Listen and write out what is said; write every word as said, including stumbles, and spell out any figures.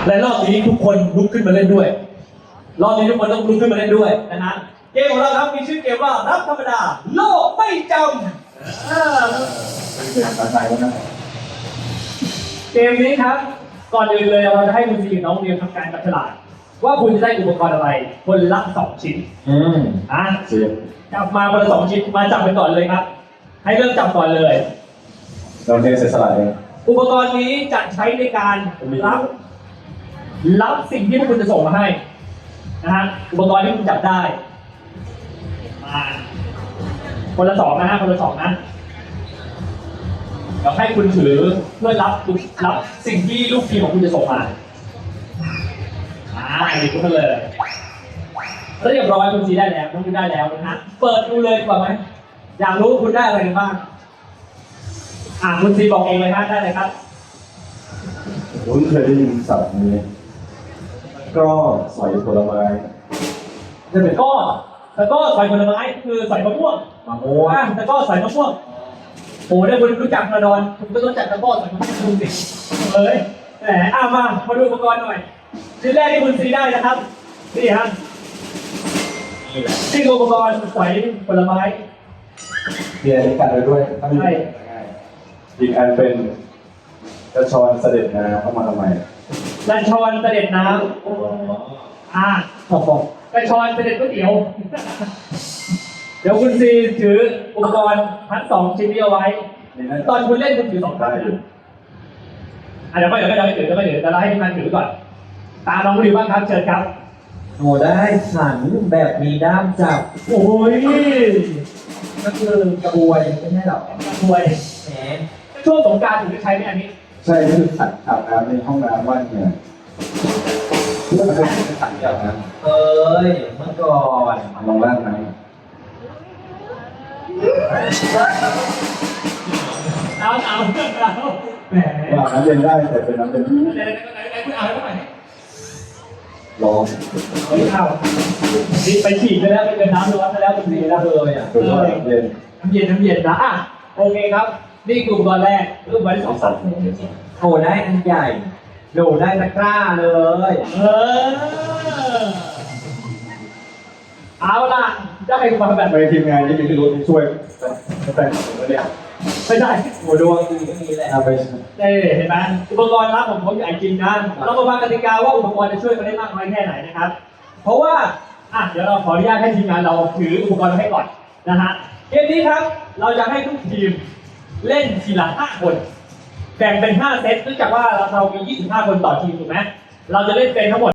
และรอบนี้ทุกคนลุกขึ้นมาเล่นด้วยรอบนี้ทุกคนต้องลุกขึ้นมาเล่นด้วยนะฮะเกมของเราครับมีชื่อเกมว่ารับธรรมดาโลกไม่จำเสียงภาษาแล้วนะเกมนี้ครับก่อนอื่นเลยเราจะให้คุณซีกับน้องเรียนทำการจับฉลากว่าคุณจะได้อุปกรณ์อะไรคนละสองชิ้นอืมอ่ะเสียงจับมาคนละสองชิ้นมาจับไปก่อนเลยครับให้เริ่มจับก่อนเลยเราเทเสียสละเองอุปกรณ์นี้จะใช้ในการรับรับสิ่งที่พวกคุณจะส่งมาให้นะฮะอุปกรณ์ที่คุณจับได้มาคนละสองนะฮะคนละสองนะเดี๋ยวให้คุณถือเพื่อรับรับสิ่งที่ลูกทีมของคุณจะส่งมาอ่าหยิบขึ้นมาเลยแล้วเรียบร้อยคุณซีได้แล้วคุณได้แล้วนะฮะเปิดดูเลยดีกว่าไหมอยากรู้คุณได้อะไรกันบ้างอ่าคุณซีบอกเองเลยฮะได้เลยครับผมเคยได้ยินศัพท์นี้ก็สอยผลไม้จะเป็นก้อแต่ก็ใส่ผลไม้คือใส่มะม่วงมะม่วงแต่ก็ใส่มะม่วงโอ้ได้คุณรู้จักกระดอนคุณก็ต้องจักตะก้อใส่มะม่วงคุณสิเอ้ยแหมอ่ะมามาดูอุปกรณ์หน่อยชิ้นแรกที่คุณซีได้นะครับนี่ฮะนี่อุปกรณ์ใส่ผลไม้เรียนกันไปด้วยใช่อีกอันเป็นกระชอนเสด็จน้ำเข้ามาทำไมกระชอนเสด็จน้ำอ่าบอกกระชอนเสด็จก๋วยเตี๋ยวเดี๋ยวคุณซีถืออุปกรณ์ทั้งสองชิ้นนี้เอาไว้ตอนคุณเล่นคุณถือสองข้างอ่ะเดี๋ยวไม่เดี๋ยวไม่เดี๋ยวไม่ถือเดี๋ยวไม่ถือเดี๋ยวเราให้ทีมงานถือก่อนตามน้องดิวบ้างครับเชิญครับโอ้ได้ขันแบบมีด้ามจับโอ้ยก็คือกระบวยไม่ใช่หรอกกระบวยแหมช่วงสงกรานต์ถึงจะใช้ไหมอันนี้ใช่นี่คือขันอาบน้ำในห้องน้ำว่านเนี่ยเพื่อมันเป็นขันอาบน้ำเอ้ยเมื่อก่อนลองล่างน้ำเอาเอาเอาแหมว่าน้ำเย็นได้แต่เป็นน้ำเย็นไหนไหนไหนคุณเอาแล้วไหมร้อนไม่เอานี่ไปฉีดไปแล้วไปเป็นน้ำร้อนไปแล้วคุณดีแล้วเลยอ่ะคือว่าเย็นน้ำเย็นน้ำเย็นนะอ่ะโอเคครับนี่คืออุปกรณ์แรกรูปไว้สองสัตว์โอ้ได้อันใหญ่โดได้ตะกร้าเลยเออเอาล่ะได้มาแบบไปทีมงานนี้มีที่รู้ที่ช่วยแต่งตัวเนี่ยไม่ได้โอ้ดวงดีก็มีแหละเอาไปได้เห็นไหมอุปกรณ์รับผมเขาใหญ่จริงนะเรามาฟังกติกาว่าอุปกรณ์จะช่วยกันได้มากน้อยแค่ไหนนะครับเพราะว่าอ่ะเดี๋ยวเราขออนุญาตให้ทีมงานเราถืออุปกรณ์ให้ก่อนนะฮะเกมนี้ครับเราจะให้ทุกทีมเล่นทีละห้าคนแบ่งเป็นห้าเซตเนื่องจากว่าเรามียี่สิบห้าคนต่อทีมถูกไหมเราจะเล่นเป็นทั้งหมด